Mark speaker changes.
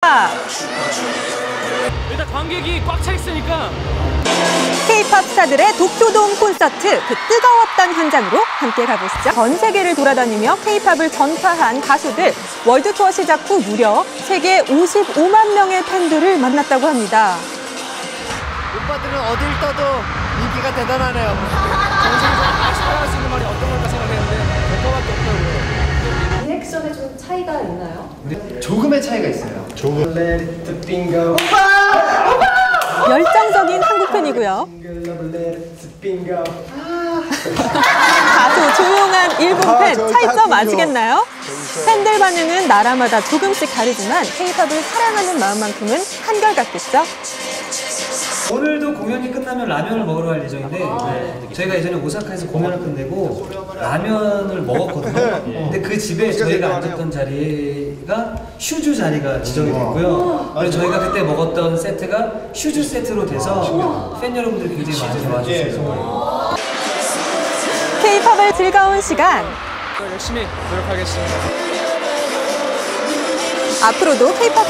Speaker 1: 있습니다.
Speaker 2: 일단 관객이 꽉 차 있으니까.
Speaker 1: K-팝 스타들의 도쿄돔 콘서트, 그 뜨거웠던 현장으로 함께 가보시죠. 전 세계를 돌아다니며 K-팝을 전파한 가수들, 월드 투어 시작 후 무려 세계 55만 명의 팬들을 만났다고 합니다.
Speaker 3: 오빠들은 어딜 떠도 인기가 대단하네요.
Speaker 2: 정신에서 사랑할 수 있는 말이 어떤 걸까 생각했는데 오빠밖에 없더라고요.
Speaker 4: 리액션에 좀 차이가 있나요?
Speaker 3: 조금의 차이가 있어요. 조금.
Speaker 1: 열정적인 한국 팬이고요. 다소 조용한 일본 팬, 차이점 아시겠나요? 팬들 반응은 나라마다 조금씩 다르지만 K-팝을 사랑하는 마음만큼은 한결같겠죠?
Speaker 5: 오늘도 공연이 끝나면 라면을 먹으러 갈 예정인데 저희가 예전에 오사카에서 공연을 끝내고 라면을 먹었거든요. 근데 그 집에 저희가 앉았던 자리가 슈즈 자리가 지정이 됐고요. 그래서 저희가 그때 먹었던 세트가 슈즈 세트로 돼서 팬 여러분들이 굉장히 많이 와주셔서
Speaker 1: K-팝의 즐거운 시간.
Speaker 2: 열심히 노력하겠습니다.
Speaker 1: 앞으로도 K-팝